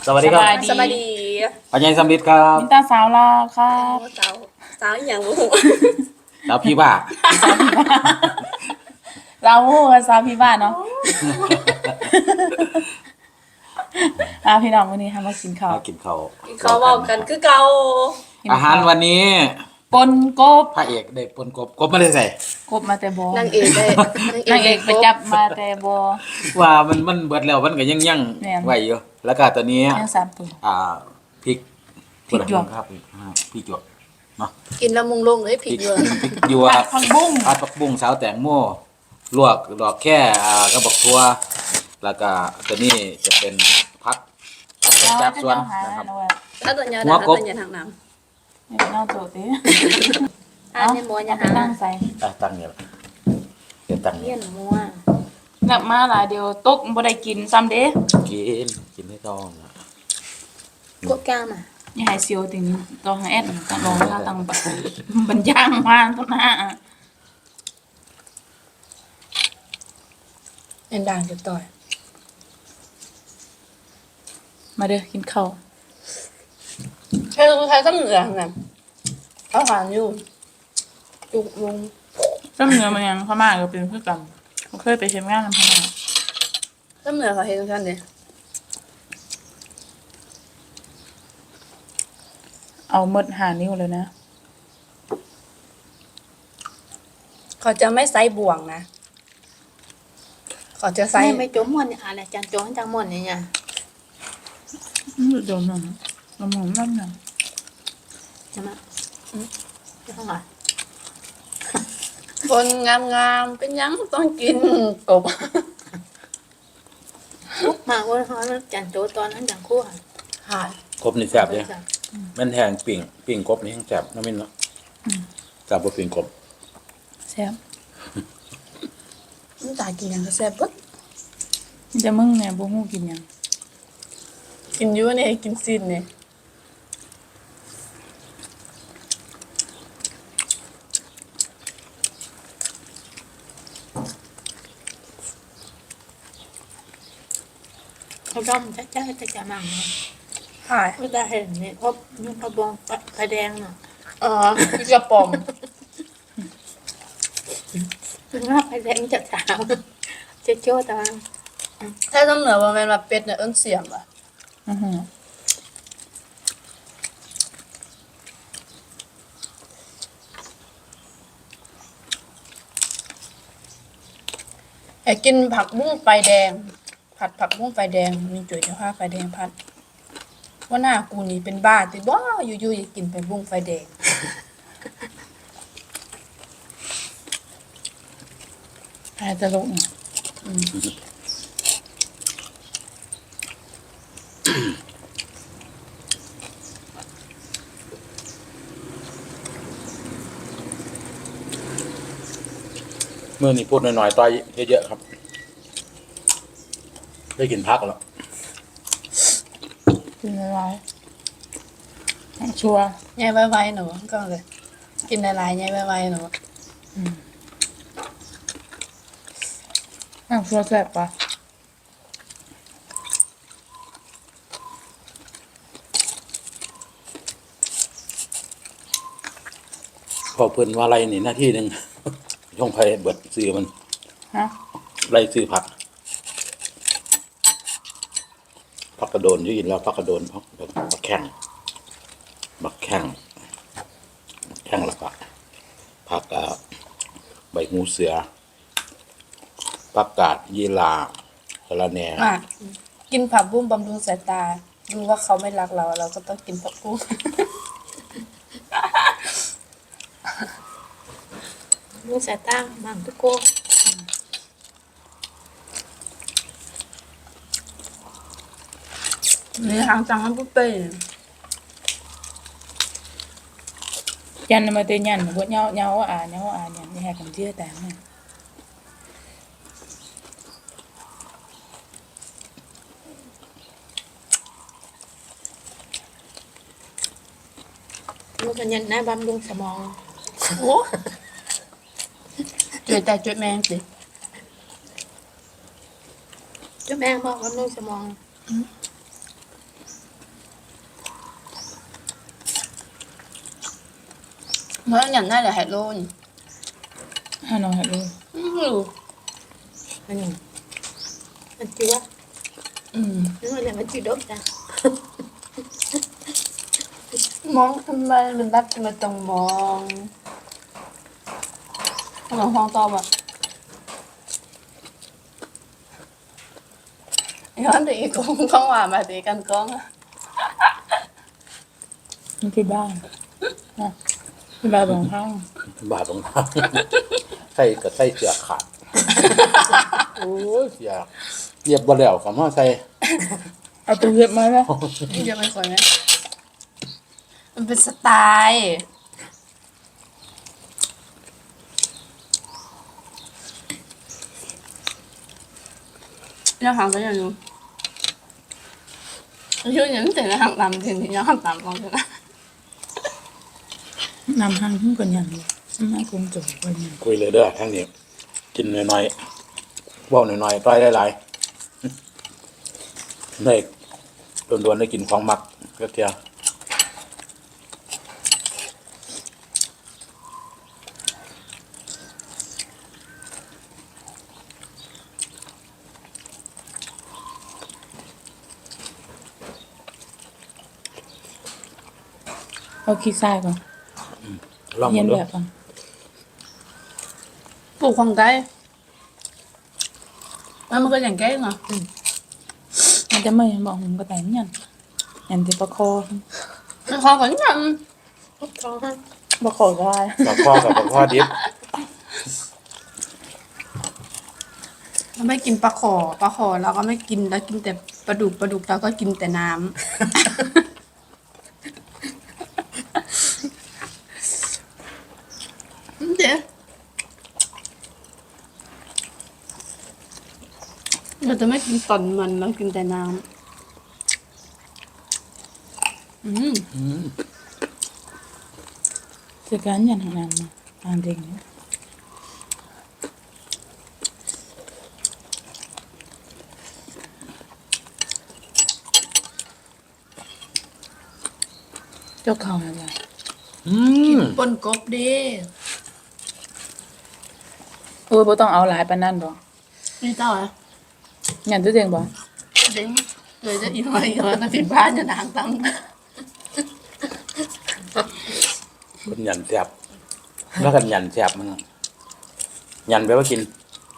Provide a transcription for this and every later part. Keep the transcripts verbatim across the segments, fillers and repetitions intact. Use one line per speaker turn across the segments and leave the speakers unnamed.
สวัสดีครับ
สวัสดี
ปัญญาสำลิดครับ
มินตาสาวลาครับ
สาวสาวอหย่างบ่ฮู้
แล้วพี่บ้า
เราโอ้สาวพี่บ้านเนาะอ่าพี่น้องวันนี้ทำมากินข้าว
มากินข้าว
เขาเว้ากันคือเก่า
อาหารวันนี้
ปนกบ
พระเอกได้ปนกบกบไม่ได้ใส่
กบมาแต่บ่
นางเอกได้
นางเอกไปจับมาแต่บ่
ว่ามันมันเบิดแล้วมันก็ยังยัง
แม่น
ไหวอยู่แล้วก็ตัวนี้
ยังสามตัว
อ่าพริก
พริกหยวก
ครับอ่าพริกหยวกเนาะ
กินแล้วมุงลงเลยผิดเยอะ
พริกหยว
ผั
ก
ดผักบุ้ง
ผัดผักบุ้งสาวแตงโมลวกดอกแค่อ่ากระบอกทั่วแล้วก็ตัวนี้จะเป็นพักจากสวนนะครับ
ถ้าตัวยา
หั
ดาว
กบ
ตัวยาทางน้ำ
นี่เป็นเอาโจติ
อันนี้มัวยา
ไป
หา
ตั้งใส่
อ่ะตั้งเนี่ยละเดี๋ยวตั้ง
เลี้
เนี่ย ย
นมัว
กลับมาหลายเดียวตกบ่ได้กินซ้ำเด้
กินกินไม่ต้องนะ
กบกล้ามอ่ะ
อย่าให้เสียวถึงต้องแอดต้องลองท่าตั้งบัดบันย่างมาต้นหน้า
เอ็นด่างจะต่อย
มาเด้อกินข้าว
ใช้ใช้ซ้ำเหนือน่ะเขาหานอยู่จุกลง
ซ้ำเนื้อมันยังพม่าก็เป็นคือกันเขาเคยไปเฮ็ดงานนำพม่า
ซ้ำเหนือเขาเฮ็ดจังซั่นเด้
เอาหมดหานิ้วเลยนะ
เขาจะไม่ใส่บ่วงนะเขาจะใส่
ไม่ไม่จมม่วนเนี่ยอะไรจังจงจังม่วนเนี่ยเนี่ย
อืมโดนหน่อยน้ำหอมน้ำหนัก
ใช่ไหมอืมจะต้องอ่ะ
คนงามๆเป็นหยังต้องกินกบ
มาว่าเขาจังโจตอนนั้นจังคู่ค่ะ
หาย
กบนี่แซ่บเลยมันแห้งปิ่งปิ่งกบนี่แห้งแซ่บน้ำมินเนาะแซ่บกว่าปิ่งกบ
แซ่บ
มันตายกินหยังก็แซ่บเบิด
มันจะมึงเนี่ยบ่ฮู้กินหยัง
กินอยู่นี่กินสิ้นนี่
เขาด้อมจะจะจะจะมั่งเนาะ
หาย
ไม่ได้เห็นเนี่ยพบยุ่งพะบองไฟแดงเนาะ
อ๋อคือกระป๋อม
ถึงว่าไฟแดงจะสาวจะโจตอน
ถ้าต้องเหนือว่าแม่นว่าเป็ดเนี่ยเอิ้นเสียมอ่ะ
อือหือ
ไอ้กินผักบุ้งไฟแดง ผัดผักบุ้งไฟแดงมีจุ๋ยจะพาไฟแดงพัดว่าหน้ากูนี่เป็นบ้าติบ่อยู่ๆอยากกินผักบุ้งไฟแดง
หายตลกเนี่ย
เมื่อนี้พูดหน่อยๆต่อยเยอะๆครับ ได้กินพักแล้ว
กินอะไรชัวร์
ใหญ่ไวๆหนูก็เลย กินหลายๆใหญ่ไวๆหนู
อ่ะชัวร์แซ่บปะ
พอเพิ่นว่าไรนี่หน้าที่หนึ่ง ช่องไฟเบิดซื้อมัน
ฮะ
ไล่ซื้อผักผักกระโดนที่กินแล้วผักกระโดนผักผักแข้งผักแข้งแข้งแล้วก็ผักอ่าใบหูเสือผักกาดยีราสะระแหน่
อ่ะกินผักบุ้งบำรุงสายตาดูว่าเขาไม่รักเรา เราก็ต้องกินผักบุ้ง
มือสายตั้งมั่งทุกโก้
นี่ทางจังมันปุ๊บเป้
ยันมาเตยันพวกเนาเนาอ่าเนาอ่าเนี่ยนี่ให้กันเชื่อแต่เนี่ย
มือกันยันนะบำรุงสมอง
โอ้จุ๋ยแต่จุ๋ยแมงสิ
เจ้าแม่บอกบำรุงสมอง
เมื่ออย่างนั้นแหละให้โลน
ให้น้องให้รู้
อื้อหือ
อันนี้มันจืด
อืม
นึกว่าเนี่ยมันจืดดกจ้ะ
มองทำไมมันรักทำไมต้องมองขนมห้องตอบอ่ะย้อนตีกงก้องว่ามาตีกันก้องอะ
มันที่บ้านนะที่บ้านของข้าง
บาดตรงเท้า ใส่กับใส่เสือขาด โอ้ยเสียเรียบบ่แล้วคำว่าใส่
เอาตัวเห็บมาแล้ว
นี่จะเป็นคนไหมมันเป็นสไตล์เราหางกันอย่างนู้นช่วยยังแต่ละหางตามจริงๆยังหางตามลองกันนะ
นำห้างขึ้นก่อนอย่างนี้ไม่คงจบก่อนอย่าง
คุยเลยเด้อทั้งนี้กินน้อยๆเว้าน้อยๆต้อยหลายๆได้โดนๆได้กินของมักก็เทีย
เอาขี้ทรายก่อน
ลอง
เย็น
ดู
แบบก่อน
ปลูกของไก่แล้วมันก็อย่างไก่เนาะ
มันจะไม่บอกผมก็แต่งยันยันที่ประคอ
มันของกันยัง
ท้องฮะ
ประคอก็ได้
ปลาข้อกับปลาข้อดิบ
เราไม่กินปลาขอปลาขอเราก็ไม่กินเรากินแต่ปลาดุกปลาดุกเราก็กินแต่น้ำ เดี๋ยวเราจะไม่กินตอนมันเรากินแต่น้ำอืม
เสียการยันทางนั้นมาอ่านเด็กเนี่ยเจ้าเขาอะไร
อืม
ปนกบเด้
โอ้ยบ่ต้องเอาหลายปานนั้นบ่
นี่เจ้าอ่ะ
ยันตัวเองบ่
เด้งเลยจะอีกหน่อยอีกหน่อยนะผิดบ้านจะนางตั้ง
คนหยันแสบแล้วกันหยันแสบมันหยันแปลว่ากิน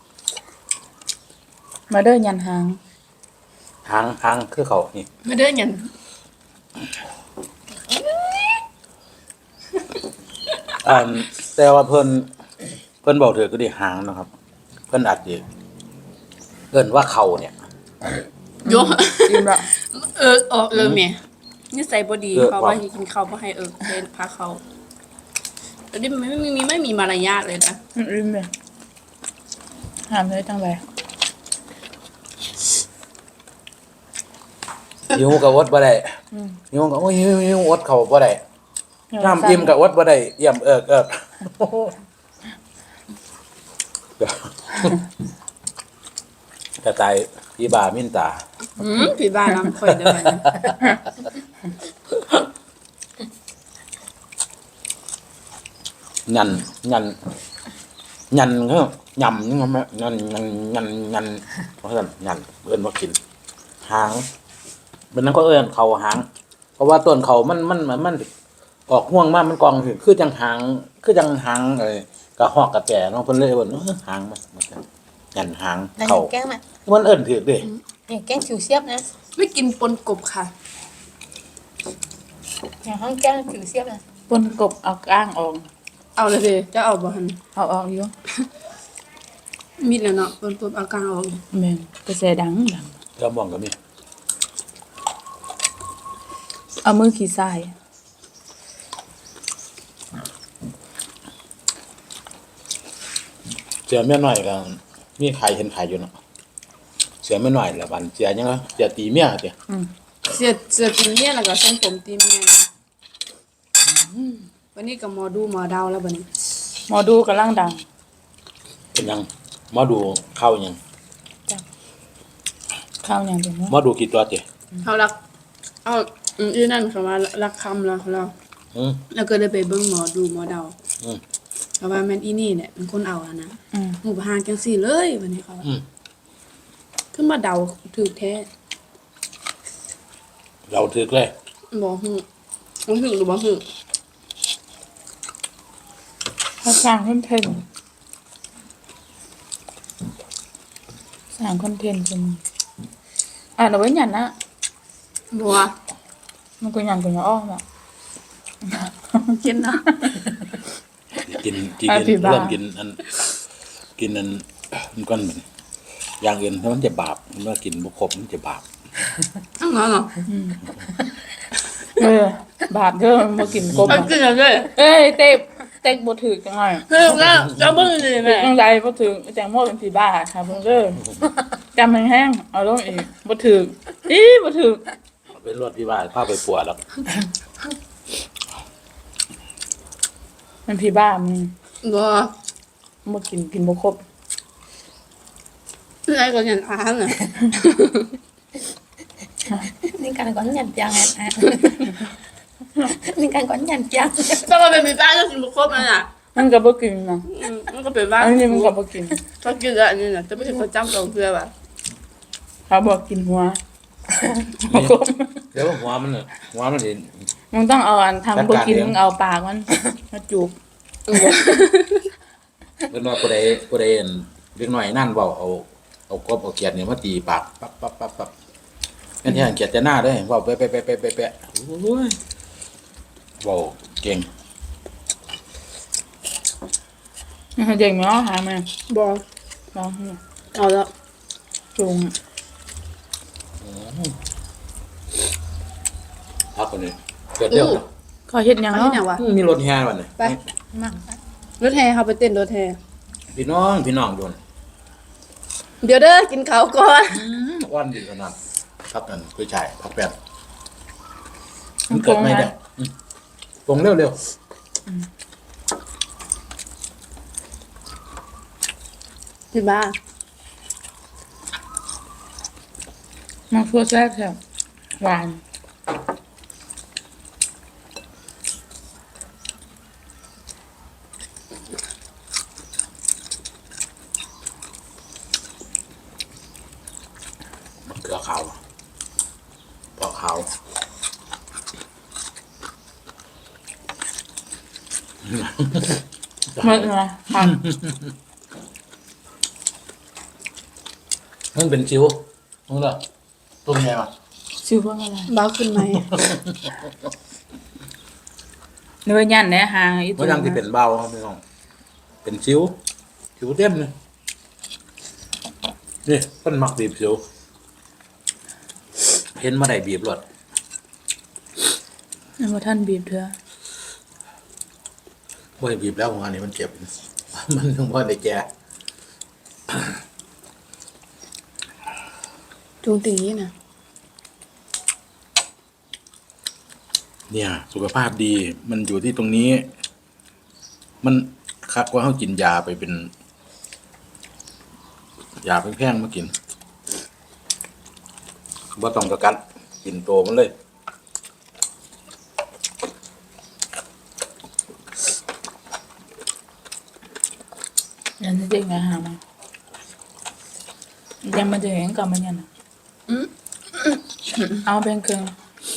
มาเด้อยันหาง
หางหางคือเขานี่
ไม่ได้เงิน
อ่าแต่ว่าเพิ่นเพิ่นบอกเถอะก็ดีหางนะครับ เพิ่นอาจจะเอิ้นว่าเขาเนี่ย
โย
อิ่มละ
เออเออเออเมียนี่ใส่บดี
เออ
เขา
ว่ะ
ว่าให้กินข้าวเพราะให้เออเล่นพาเขาแต่นี่มันไม่มีไม่มีมารยาทเลยนะ
อืมอิ่มเลยหามเลยจังไร
หิวกับอดบ่ได้
อืม
หิวกับโอ้ยหิวหิวอดเขาบ่ได้น้ำอิ่มกับอดบ่ได้เยี่ยมเอิกเอิกกระต่ายพี่บามินตา
อืมผีบ้านน้ำข่อยเดิน
ยันยันยันเขายำนี่ไงแม่ยันยันยันยันเพราะฉะนั้นยันเอิ้นว่ากิน หางเป็นนั้นก็เอิ้นเขาหาง เพราะว่าต้นเขามันมันมันมันออกห่วงมากมันกองคือคือจังหางคือจังหางอะไรกระหอกกระแจเนาะเพิ่นเลยว่าเออหางมันมันจะยันหาง
แล้วอ
เขา
ย่างแกล้งมา
มันเอิ้นถือเด้
อย่างแกล้งผิวเสียบนะ
ไม่กินปนกบค่ะ
อย่างห้องแกล้งผิวเสียบนะ
ปนกบเอาก้างออก
เอาเลยสิจะเอาบ่หัน
เอาออกอยู่
มีดแล้วเนาะปนกบเอากลางออก
แม่นกระแสดังดัง
กระมองก็มี
เอามือขี้ทราย
เสือแม่น้อยก็มีใครเห็นใครอยู่เนาะเสือแม่น้อยละบันเสือยังไงเสือตีเมียเด้
อืม
เสียเสียตีเมียแล้วก็ส้มผมตีเมียอืมวันนี้กับหมอดูหมอดาวแล้วบัดนี้
หมอดูกำลังดัง
เป็นยังหมาดูเข้ายัง
ข้าวอย่างเป็น
ห
ว่า
มาดูกี่ตัวเด้
เขารัก เอาอืมอีนั่นเขาว่ารักคำแล้วเรา
หอืม
แล้วก็เลยไปเบิ่งหมอดูหมอเดา
อืม
เพราะว่าแม่นอีนี่เนี่ยเป็นคนเอาอะนะ
อืม
หมู่บ้านจังซี่เลยวันนี้เขาว่า
อืม
ขึ้นมาเดาถูกแท้
เราถึกเลย
บ่ฮู้บ่ฮู้หรือบ่ฮู้
ถ้าสร้างคอนเทนต์สร้างคอนเทนต์จนอ่านเอาไว้หยันนะ
บ่ว่า
มันก็หยันก็ยังอ้อมอ่ะ
กินนะ
กินกิน
อ่ะพี่บ้า
เริ่มกินอันกินอันมันก้อนเหมือนอย่างอื่นถ้ามันจะบาปมันว่ากินบุครบมันจะบาป
อังนั้นเหรอ
เออบาปเด้อมันบ่กินกบ
เอา
อ่ะ
กินแล้วเด้อ
เอ้ยเต็บเต็กบ่ถือจังไง
เฮ้ยแล้วจะเบิ่งดิแม่
จังไดบ่ถือแตงโมเป็นผีบ้าค่ะเพิ่นเด้อจำแห้งๆเอาลงอีกบ่ถืออีบ่ถือ
เป็นรวดที่ว่าข้าไปปวดแล้ว
มันผีบ้ามัน
บ่
บ่กินกินบ่ครบ
อะไรก็ยันอ่านน่ะ
นี่การก่อนยันจังอ่ะนี่การก่อนยันจัง
ถ้ามันเป็นมีบ้านก็กินบ่ครบนั่นน่ะ
มันก็บ่กินนะ
อืมมันก็เป็นบ้าน
อันนี้มันก็บ่กิน
ถ้ากินแล้วอันนี้น่ะจะไม่ใช่ประจำของเพื่อว่ะ
เขาบอกกินหัวบ่ครบ
เดี๋ยวหัวมันเนี่ยหัวมันเห็น
มึงต้องเอาอันทำบ่กิน
จัดการเอง
มึงเอาปากมันมาจูบ
เป็นว่าผู้ใดผู้ใดเห็นเล็กน้อยนั่นเบาเอาเอากบเอาเกียดเนี่ยมาตีปากปั๊บปั๊บปั๊บปั๊บงั้นที่หันเกียดจะหน้าด้วยเบาเป๊ะเป๊ะเป๊ะเป๊ะเป๊ะเป๊ะโอ้ยเบาเก่ง
เด็กเนาะหามา
บ่
ลองเนี่ย
เอาแล้ว
จูง
พักคนนี้เกิดเรื่อง
เขาเฮ็ดหยัง
เอาที่
เนาะ
ไหนวะ
มีรถแห่วันนี้
ไป
มั่ง
รถแห่เขาไปเต้นรถแห่
พี่น้องพี่น้องโดน
เดี๋ยวเด้อกินข้าวก่อน
อ้อนดีขนาดพักกันผู้ชายพักแป๊บมันเกิดไม่ได้อืมปรุงเร็วเร็ว
กินบ้า
มันทั่วแซ่บแซ่บหวาน
มันเกลือขาวปอกขาว
มันอะไรค่ะ
มันเป็นชิวมึงเหรอตัวไงวะ
ชื่อว่าอะไร
บ้าขึ้นไหม
เนื้อยันเนี่ยหางอี
มันยังที่เป็นเบาครับพี่น้องเป็นชิวชิวเต็มเลยนี่ต้นมักบีบชิวเห็นมาได้บีบรถ
นี่ว่าท่านบีบเถอะ
บ่ให้บีบแล้วของอันนี้มันเจ็บ มันถึงพ่อได้แก่
จุงตีนะ
เนี่ย สุขภาพดีมันอยู่ที่ตรงนี้ มันคักว่าเขากินยาไปเป็นยาแพงๆมากินว่าต้องกระกัดกินโตมันเลย
ยันจะเด็กไงหามายังมาจะเห็นกับมันยันน่ะเอาแบ่งครึ่ง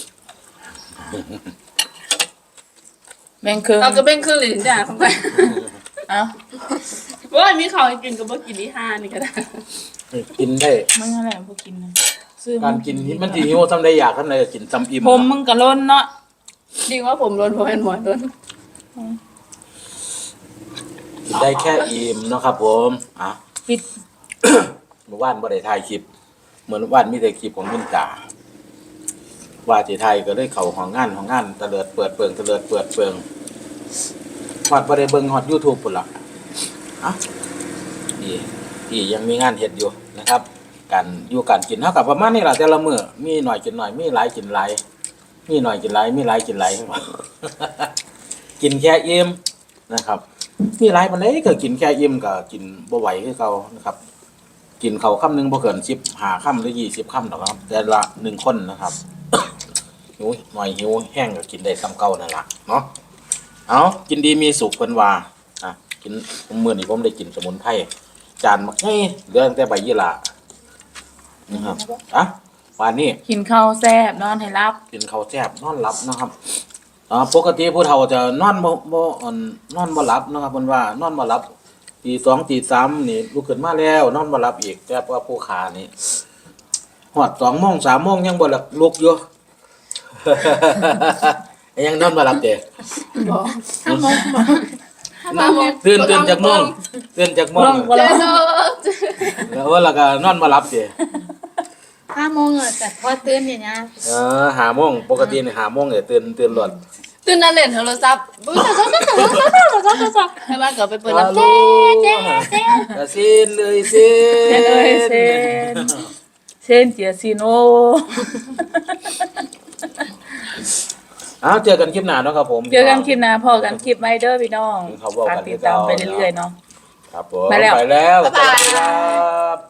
แบ่งครึ่ง
เราก็เป็นเครื่องหลินด่าเข้าไป
เอา
ว่ามีข้าวให้กินก็บ่กินที่ห้านี่ก็ได้
กินได้
มึงอะไรพวกกินนะซื้อ
การกินนี่มันทีหิวทำได้อยากทำได้ก็กินซ้ำอิ่ม
ผมมึงกะล้นเนาะ
ดีว่าผมโดนผมเป็นหมอโดน
กินได้แค่อิ่มเนาะครับผมอ่ะ
ปิด
เมื่อวานบ่ได้ถ่ายคลิปเหมือนวานมีแต่คลิปของมินตาว่าสิไทยก็เลยเข้าห้องงานห้องงานตะเลิดเปิดเปิงตะเลิดเปิดเปิงฮอดบ่ได้เบิ่งฮอด YouTube พุ่นล่ะอ่ะพี่พี่ยังมีงานเฮ็ดอยู่นะครับการอยู่การกินเฮากับประมาณนี้ล่ะแต่ละมื้อมีหน่อยกินหน่อยมีหลายกินหลายมีหน่อยกินหลายมีหลายกินหลาย กินแค่อิ่มนะครับ มีหลายปานใดก็กินแค่อิ่มก็กินบ่ไหวคือเก่านะครับ กินเขาวคำหนึงบ่เกินสิบห้าคำหรือยี่สิบคำหรอกครับ แต่ละหนึ่งคนนะครับหิวหน่อยหิวแห้งก็กินได้ซ้ำเก่านั่นล่ะเนาะเอากินดีมีสุขเพิ่นว่าอ่ะกินมื้อนี้ผมได้กินสมุนไพรจานมักให้เหลือตั้งแต่ใบยี่หร่านะครับอ่ะวันนี้
กินข้าวแซ่บนอนให้รับ
กินข้าวแซ่บนอนหลับนะครับอ่าปกติผู้เฒ่าจะนอนบ่บ่อ่อนนอนบ่หลับนะครับเพิ่นว่านอนบ่หลับตีสองตีสามนี่ลุกขึ้นมาแล้วนอนบ่หลับอีกแต่ว่าผู้ขานี่ฮอดสองโมงสามโมงยังบ่หลับลุกอยู่ ยังนอนบ่หลับเด้
ถ้ามองมาถ้ามอง
ตื่นตื่นจากโมงตื่นจากโม
บ่
ง
ต้องบ่
เจ
ต้อ
อง เนาะ
แล้วแล้วก็นอนบ่หลับเด้
ถ้ามองอ่ะแต่พอตื่นอย่างเงี้ย
เออห้าโมงปกตินี่ห้าโมงเนี่ยตื่นตื่นรถ
ตื่นนั่นเล่นโทรศัพท์บึ้งโทรศัพท์โทรศัพท์โทรศัพท์โทรศัพท์ให้บ้านก็ไปเปิดรับ
ฮัลโหล
เจ๊เจ๊เจ๊
กะซินเลยซิน
เซนเอ้ยเซนเซนเจียซิโน
อ้าวเจอกันคลิปหน้าเนาะครับผม
เจอกันคลิปหน้าพอกันคลิปไมเดอร์พี่น้อง
ครับผม
ฝากติดตามไปเรื่อยๆเนาะ
ครับผม
ไปแล้ว
ไปแล้ว
บ๊ายบาย
สวัสดีครับ